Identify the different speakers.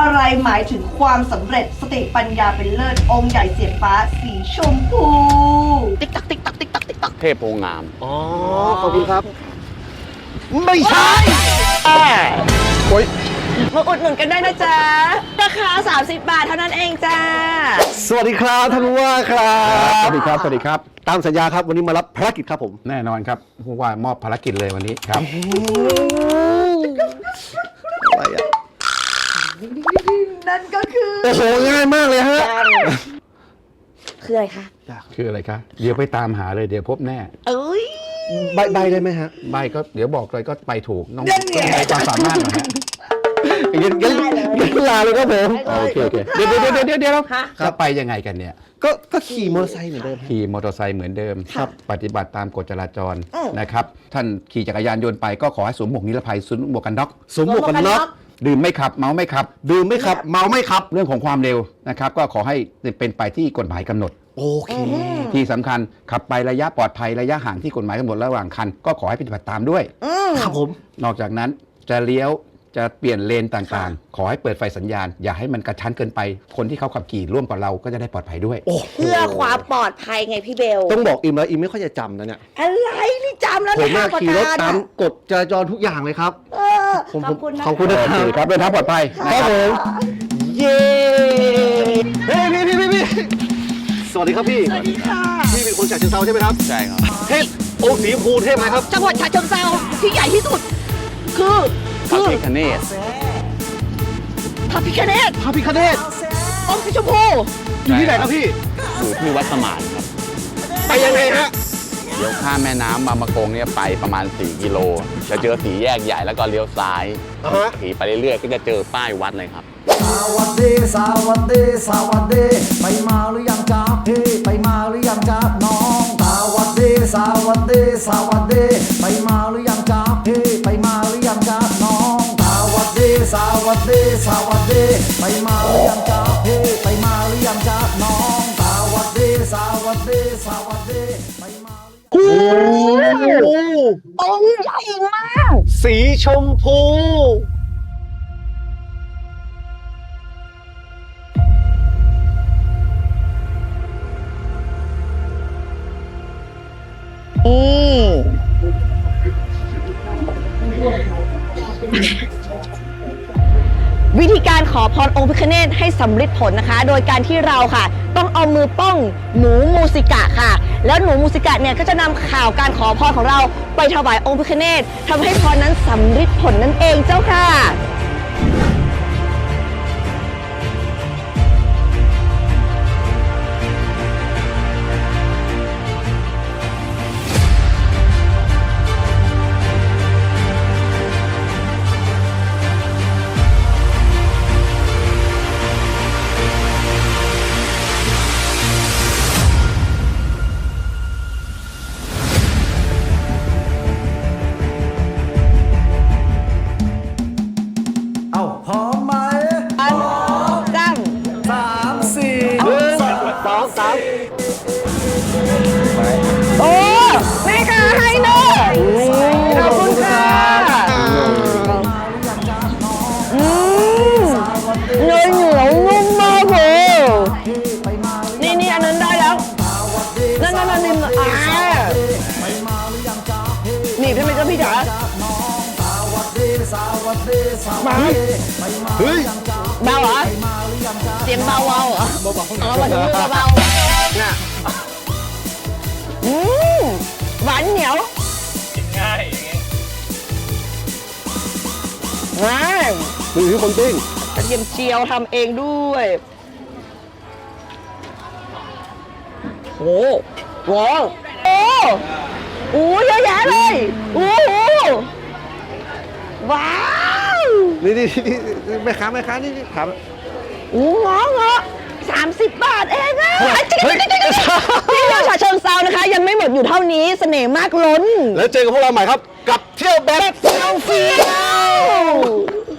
Speaker 1: อะไรหมายถึงความสำเร็จสติปัญญาเป็นเลิศองค์ใหญ่เสียงฟ้าสีชมพูติ๊กตักติ๊กตักติ๊กตักติ๊กตัก
Speaker 2: เทพโพงาม
Speaker 3: อ๋อ ขอบคุณครับ ไม่ใช่ โอ้ย
Speaker 4: มาอุดหนุนกันได้นะจ๊ะ ราคา 30 บาทเท่านั้นเองจ้า
Speaker 3: สวัสดีครับท่านผู้ว่าครับ
Speaker 2: สวัสดีครับ สวัสดีครับ
Speaker 3: ตามสัญญาครับวันนี้มารับภารกิจครับผม
Speaker 2: แน่นอนครับผู้ว่ามอบภารกิจเลยวันนี้ครับ
Speaker 3: อะไรอ่ะ
Speaker 1: นั่นก็คือ
Speaker 3: โอ้โหง่ายมากเลยฮะ
Speaker 4: คืออะไรคะ
Speaker 2: คืออะไรคะเดี๋ยวไปตามหาเลยเดี๋ยวพบแน่
Speaker 4: เอ้ย
Speaker 3: ใบได้ไหมฮะ
Speaker 2: ใบก็เดี๋ยวบอกเลยก็ไปถูกน้องต้องใช้ความสามารถหน่อยฮะ
Speaker 3: งั้นลาเลยครับผม
Speaker 2: โอเคเดี๋ยวจะไปยังไงกันเนี่ย
Speaker 3: ก็ขี่มอเตอร์ไซค์เหมือนเดิม
Speaker 2: ขี่มอเตอร์ไซค์เหมือนเดิม
Speaker 4: ครับ
Speaker 2: ปฏิบัติตามกฎจราจรนะครับท่านขี่จักรยานยนต์ไปก็ขอให้สวมหมวกนิรภัยสวมหมวกกันน็อก
Speaker 3: สวมหมวกกันน็อก
Speaker 2: ดื่มไม่ขับเมาไม่ขับ
Speaker 3: ดื่มไม่ขับ เมาไม่ขับ
Speaker 2: เรื่องของความเร็วนะครับก็ขอให้เป็นไปที่กฎหมายกำหนด
Speaker 3: โอเค
Speaker 2: ที่สำคัญขับไประยะปลอดภัยระยะห่างที่กฎหมายกำหนดระหว่างคันก็ขอให้ปฏิบัติตามด้วย
Speaker 3: ครับผม
Speaker 2: นอกจากนั้นจะเลี้ยวจะเปลี่ยนเลนต่างๆ ขอให้เปิดไฟสัญญาณ อย่าให้มันกระชั้นเกินไป คนที่เขาขับขี่ร่วมกับเราก็จะได้ปลอดภัยด้วย
Speaker 3: โอ้โห
Speaker 4: เพื่อความปลอดภัยไงพี่เบล
Speaker 3: ต้องบอกอิมแล้วอิมไม่ค่อยจะจำนะเนี่ย
Speaker 4: อะไรนี่จำแล้ว
Speaker 3: ผมน่า
Speaker 4: ประ
Speaker 3: ขี่รถ
Speaker 4: กาศ
Speaker 3: ตามกฎจราจรทุกอย่างเลยครับ
Speaker 4: เออขอบคุณนะ
Speaker 3: ขอบคุณนะ
Speaker 2: โอเคครับเดินทางปลอดภัยนะ
Speaker 3: ค
Speaker 2: ค
Speaker 3: รั
Speaker 2: รั
Speaker 3: บบ ผม เย้ เฮ้ยพี่สวัสดีครับพี่
Speaker 4: สวัสดีค่ะ
Speaker 3: พี่เป็นคนฉะเชิงเทราใช่ไหมครับ
Speaker 2: ใช่ครับ
Speaker 3: เทพโอ้สีชมพูเทพไหมครับ
Speaker 4: จังหวัดฉะเชิงเทราที่ใหญ่ที่สุด คือ
Speaker 2: พระพิฆเนศ
Speaker 4: พระพิฆเนศ
Speaker 3: พระพิฆเนศ
Speaker 4: องค์สีชมพู
Speaker 3: อยู่ที่ไหนครับพี่
Speaker 2: อยู่ที่วัดสมานครับ
Speaker 3: ไปยังไงฮะ
Speaker 2: เดี๋ยวข้ามแม่น้ำบางมะกงเนี่ยไปประมาณ 4 กิโลจะเจอสีแยกใหญ่แล้วก็เลี้ยวซ้าย
Speaker 3: อ่าฮะ
Speaker 2: ขี่ไปเรื่อยๆก็จะเจอป้ายวัดเลยครับ
Speaker 5: สวัสดีสวัสดีสวัสดีไปมาหรือยังจ๊ะพี่ไปมาหรือยังจ๊ะน้องสวัสดีสวัสดีสวัสดีไปมาหรือยังจ๊ะพี่ไปมาหรือยังจ๊ะน้องสวัสดีสวัสดีสวัสดีไปมาหรือยังจ๊ะพี่ไปมาหรือยังจ๊ะน้องสวัสดีสวัสดีสวัสดีไปมาหรือยัง
Speaker 3: โอ้
Speaker 4: องค์ใหญ่มาก
Speaker 3: สีชมพู
Speaker 4: วิธีการขอพรองค์พิฆเนศให้สำเร็จผลนะคะ โดยการที่เราค่ะ ต้องเอามือป้องหนูมูสิกะค่ะ แล้วหนูมูสิกะเนี่ยก็จะนำข่าวการขอพรของเราไปถวายองค์พิฆเนศทำให้พรนั้นสำเร็จผลนั่นเองเจ้าค่ะ
Speaker 5: เอ้าพร้อมไหม
Speaker 4: อันจัง
Speaker 5: 3 4
Speaker 3: สองสาม
Speaker 4: โอ้แม่ค่ะให้เนอะขอบคุณค่ะเนยเหนียวนุ่มมากเลยนี่อันนั้นได้แล้วนั่นนิ่มหนีบใช่ไหมเจ้าพี่จ๋ามา
Speaker 3: เฮ้ย
Speaker 4: เบาเหรอเสียงเบาเหรอเอามาถึงมือเบาน่ะหวานเหนียวง่าย
Speaker 3: มือถือคนติ้ง
Speaker 4: กระเทียมเจียวทำเองด้วยโอ้โหโอ้เยอะแยะเลยโอ้โหว้าว
Speaker 3: นี่แม่ค้านี่ถาม
Speaker 4: โอ้งอ30 บาทเองอะ
Speaker 3: เฮ้ย
Speaker 4: ที่เที่ยวฉะเชิงเซานะคะ ยังไม่หมดอยู่เท่านี้เสน่ห์มากล้น
Speaker 3: แล้วเจอกับพวกเราใหม่ครับ กับเที่ยวแบบ
Speaker 4: เฟี้ยว